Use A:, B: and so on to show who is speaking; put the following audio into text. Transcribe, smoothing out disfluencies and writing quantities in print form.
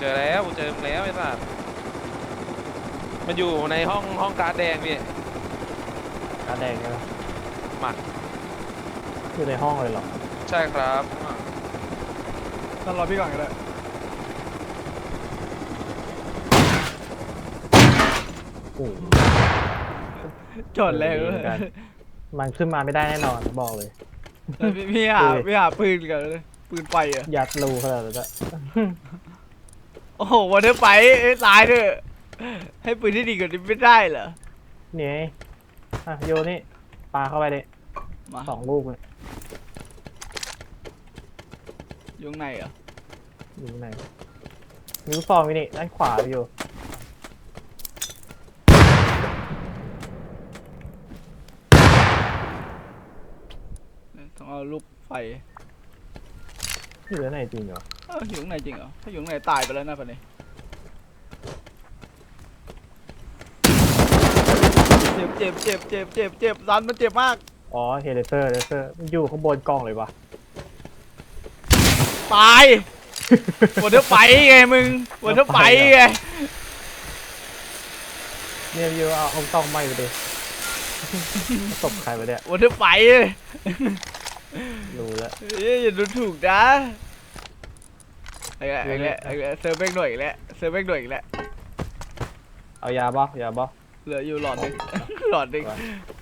A: เจอแล้วเจอมึงแล้วไอ้สัสมันอยู่ในห้องการ์ดแดงพี่
B: กาแดงใช่ไหม
A: มา
B: อยู่ในห้องเลยเหรอ
A: ใช่ครับ
C: นั่นรอพี่ก่อนก็ได้
B: โอ้
C: จอดแรงเลย
B: มันขึ้นมาไม่ได้แน่นอนบอกเลย
C: พี่หาปืนกันเลยปืนไฟอ่ะ
B: ยัดรูขนาดนั้นอะ
C: โอ้โหวันเดอร์ไฟตายเถอะให้ปืนที่ดีกว่านี้ไม่ได้เหรอ
B: นี่ไงอ่ะโยนนี่ปาเข้าไปเลย
C: มา
B: 2 ลูกเลย
C: อยู่ข้างในเหรอ
B: อยู่ไหนนิ้วซองไปนี่ด้านขวาอยู่
C: ต้องเอาลูกไฟ
B: อยู่ด้านไหนจริงเหรอ
C: อยู่ข้างในจริงเหรอถ้าอยู่ข้างในตายไปแล้วนะปันนี้เจ็บรันมันเจ็บมาก
B: อ๋อเฮเลเซอร์มันอยู่ข้างบนกล้องเลยวะ
C: ตายวันเดอร์ไฟไงมึงวันเดอร์ไฟไง
B: เนี่ยอยู่เอากล้องไหม้ไปดิตบใครไปเนี่ย
C: วันเดอร์ไฟ
B: รู้แล้ว
C: อย่าดูถูกนะไอ้เซอร์เบกหน่อยอีกแล้ว
B: เอายาบ่
C: เหลืออยู่หลอดหนึ่งหลอดหนึ่ง